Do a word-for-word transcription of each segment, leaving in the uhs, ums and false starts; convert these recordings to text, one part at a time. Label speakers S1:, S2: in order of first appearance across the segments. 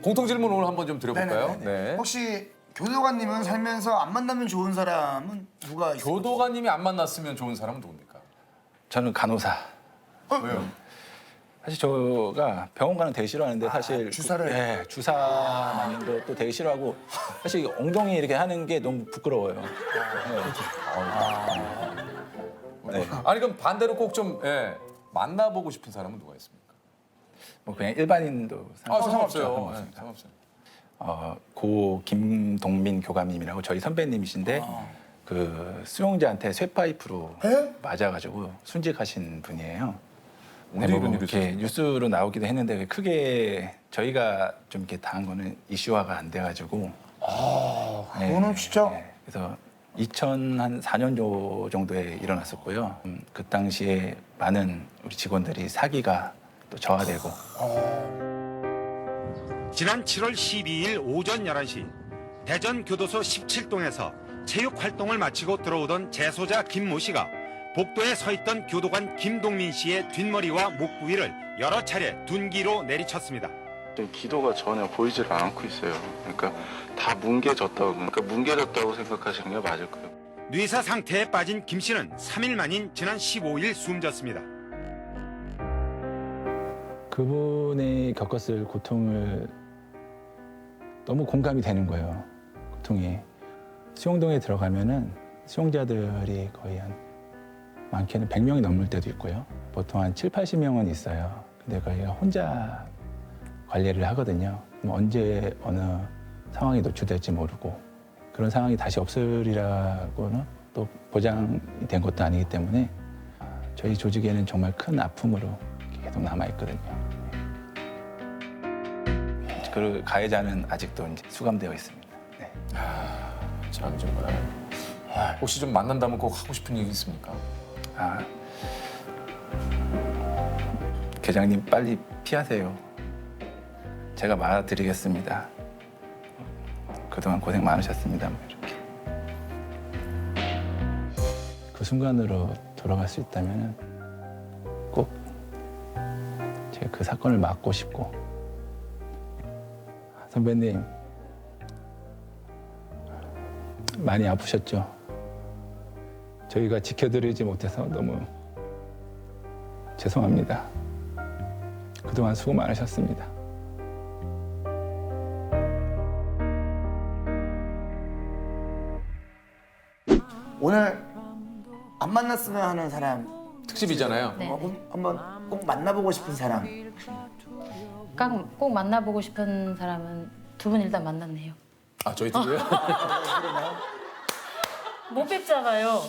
S1: 공통 질문 오늘 한번 좀 드려볼까요?
S2: 네네네.
S1: 네.
S2: 혹시 교도관님은 살면서 안 만나면 좋은 사람은 누가 있어요?
S1: 교도관님이 안 만났으면 좋은 사람은 누굽니까?
S3: 저는 간호사.
S1: 왜요?
S3: 사실 저가 병원 가는 되게 싫어하는데 사실
S2: 주사를?
S3: 그, 네, 주사 맞는 거 또 되게 싫어하고 사실 엉덩이 이렇게 하는 게 너무 부끄러워요. 네. 네.
S1: 아니 그럼 반대로 꼭 좀 예, 만나보고 싶은 사람은 누가 있습니까?
S3: 뭐 그냥 일반인도
S1: 아
S3: 상관없죠.
S1: 상관없어요. 예,
S3: 상관없습니다.
S1: 상관없어요.
S3: 어, 고 김동민 교감님이라고 저희 선배님이신데 그 수용자한테 쇠파이프로
S2: 에?
S3: 맞아가지고 순직하신 분이에요.
S1: 언제
S3: 네,
S1: 이런
S3: 뭐
S1: 일이
S3: 이렇게
S1: 있었어요?
S3: 뉴스로 나오기도 했는데 크게 저희가 좀 이렇게 당한 거는 이슈화가 안 돼가지고.
S2: 아, 그거는 진짜
S3: 네, 그래서 이천사 년 정도에 일어났었고요. 음, 그 당시에 많은 우리 직원들이 사기가 또 저하되고.
S4: 지난 칠월 십이일 오전 열한 시 대전 교도소 십칠 동에서 체육 활동을 마치고 들어오던 재소자 김모 씨가 복도에 서 있던 교도관 김동민 씨의 뒷머리와 목 부위를 여러 차례 둔기로 내리쳤습니다.
S5: 기도가 전혀 보이지를 않고 있어요. 그러니까 다 뭉개졌다고, 그러니까 뭉개졌다고 생각하시는 게 맞을 거예요.
S4: 뇌사 상태에 빠진 김 씨는 삼 일 만인 지난 십오일 숨졌습니다.
S3: 그분이 겪었을 고통을 너무 공감이 되는 거예요. 고통이. 수용동에 들어가면은 수용자들이 거의 한 많게는 백 명이 넘을 때도 있고요. 보통 한 칠팔십 명은 있어요. 근데 거기가 혼자 관리를 하거든요. 뭐 언제 어느 상황이 노출될지 모르고 그런 상황이 다시 없으리라고는 또 보장이 된 것도 아니기 때문에 저희 조직에는 정말 큰 아픔으로 계속 남아있거든요. 그 가해자는 아직도 이제 수감되어 있습니다. 네.
S1: 참 정말. 아, 혹시 좀 만난다면 꼭 하고 싶은 얘기 있습니까?
S3: 아, 계장님 빨리 피하세요. 제가 말아드리겠습니다. 그동안 고생 많으셨습니다. 뭐 이렇게. 그 순간으로 돌아갈 수 있다면 꼭 제가 그 사건을 막고 싶고 선배님 많이 아프셨죠? 저희가 지켜드리지 못해서 너무 죄송합니다. 그동안 수고 많으셨습니다.
S2: 오늘 안 만났으면 하는 사람
S1: 특집이잖아요.
S6: 네.
S2: 어, 꼭 한번 꼭 만나보고 싶은 사람.
S6: 꼭, 꼭 만나보고 싶은 사람은 두 분 일단 만났네요.
S1: 아 저희 둘이요?
S6: 못 뵙잖아요.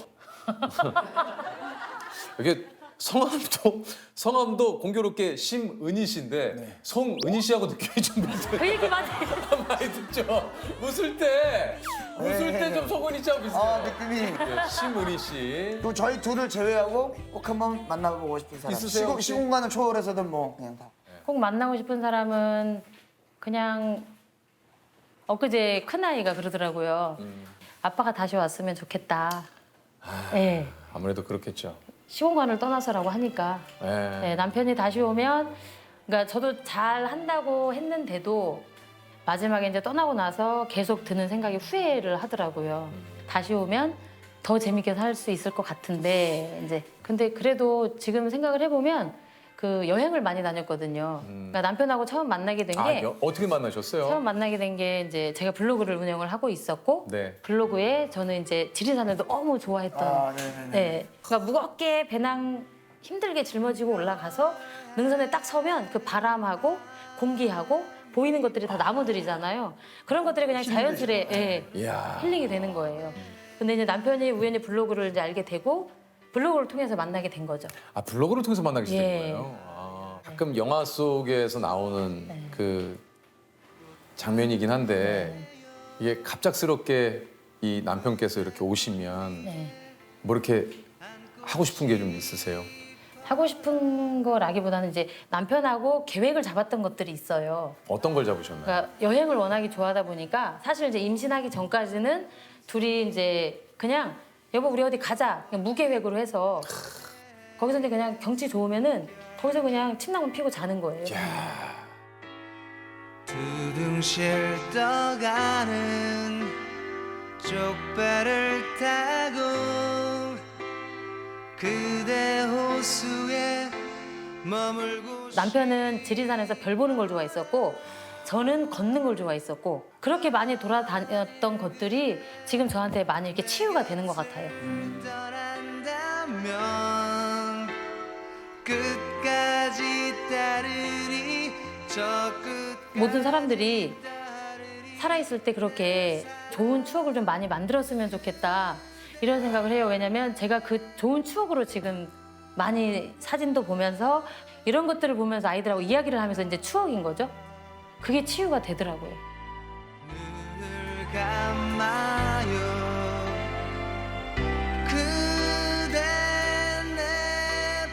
S1: 이게 성함도 성함도 공교롭게 심은희 씨인데 성은희 씨하고 느낌이 좀 비슷해요.
S6: 그 얘기 많이
S1: 많이 듣죠. 웃을 때 웃을 때 좀 성은희 씨하고 비슷해요.
S2: 아, 느낌이.
S1: 네, 심은희 씨.
S2: 또 저희 둘을 제외하고 꼭 한번 만나보고 싶은 사람.
S1: 있으세요,
S2: 시공,
S1: 혹시?
S2: 시공간을 초월해서든 뭐 그냥 다.
S6: 꼭 만나고 싶은 사람은 그냥 엊그제 큰아이가 그러더라고요. 아빠가 다시 왔으면 좋겠다. 네.
S1: 아무래도 그렇겠죠.
S6: 시공간을 떠나서라고 하니까
S1: 네.
S6: 네, 남편이 다시 오면 그러니까 저도 잘 한다고 했는데도 마지막에 이제 떠나고 나서 계속 드는 생각이 후회를 하더라고요. 다시 오면 더 재밌게 살 수 있을 것 같은데 이제 근데 그래도 지금 생각을 해보면 그 여행을 많이 다녔거든요. 그러니까 남편하고 처음 만나게 된 게
S1: 아, 여- 어떻게 만나셨어요?
S6: 처음 만나게 된 게 이제 제가 블로그를 운영을 하고 있었고
S1: 네.
S6: 블로그에 저는 이제 지리산을 너무 좋아했던
S2: 아, 네네네.
S6: 네. 그러니까 무겁게 배낭 힘들게 짊어지고 올라가서 능선에 딱 서면 그 바람하고 공기하고 보이는 것들이 다 나무들이잖아요. 그런 것들이 그냥 자연스레 예,
S1: 이야.
S6: 힐링이 되는 거예요. 근데 이제 남편이 우연히 블로그를 이제 알게 되고 블로그를 통해서 만나게 된 거죠.
S1: 아 블로그를 통해서 만나게 된
S6: 예.
S1: 거예요. 아, 가끔 영화 속에서 나오는
S6: 네.
S1: 그 장면이긴 한데 이게 갑작스럽게 이 남편께서 이렇게 오시면
S6: 네.
S1: 뭐 이렇게 하고 싶은 게 좀 있으세요?
S6: 하고 싶은 거라기보다는 이제 남편하고 계획을 잡았던 것들이 있어요.
S1: 어떤 걸 잡으셨나요?
S6: 그러니까 여행을 워낙에 좋아하다 보니까 사실 이제 임신하기 전까지는 둘이 이제 그냥 여보 우리 어디 가자 그냥 무계획으로 해서 거기서 이제 그냥 경치 좋으면은 거기서 그냥 침낭만 피고 자는 거예요.
S7: 두둥실 떠가는 쪽배를 타고 그대 호수에 머물고
S6: 남편은 지리산에서 별 보는 걸 좋아했었고 저는 걷는 걸 좋아했었고 그렇게 많이 돌아다녔던 것들이 지금 저한테 많이 이렇게 치유가 되는 것 같아요.
S7: 떠난다면 끝까지 따르리 저 끝
S6: 모든 사람들이 살아있을 때 그렇게 좋은 추억을 좀 많이 만들었으면 좋겠다 이런 생각을 해요. 왜냐면 제가 그 좋은 추억으로 지금 많이 사진도 보면서 이런 것들을 보면서 아이들하고 이야기를 하면서 이제 추억인 거죠. 그게 치유가 되더라고요.
S7: 눈을 감아요 그대 내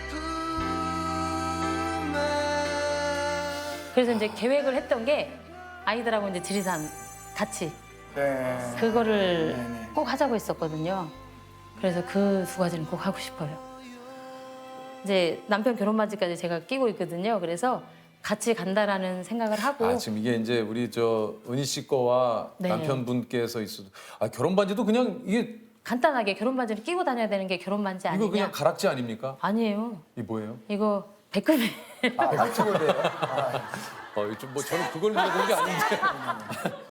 S7: 품에
S6: 그래서 이제 계획을 했던 게 아이들하고 이제 지리산 같이
S2: 네.
S6: 그거를
S2: 네네.
S6: 꼭 하자고 했었거든요. 그래서 그 두 가지는 꼭 하고 싶어요. 이제 남편 결혼 반지까지 제가 끼고 있거든요. 그래서 같이 간다라는 생각을 하고
S1: 아 지금 이게 이제 우리 저 은희 씨 거와
S6: 네.
S1: 남편분께서 있어도 아 결혼 반지도 그냥 이게
S6: 간단하게 결혼 반지를 끼고 다녀야 되는 게 결혼 반지 아니냐?
S1: 이거 그냥 가락지 아닙니까?
S6: 아니에요.
S1: 이 뭐예요?
S6: 이거 백금이
S2: 아, 발치고인데요.
S1: 어, 좀 뭐 저는 그걸 물어본 게 아닌데.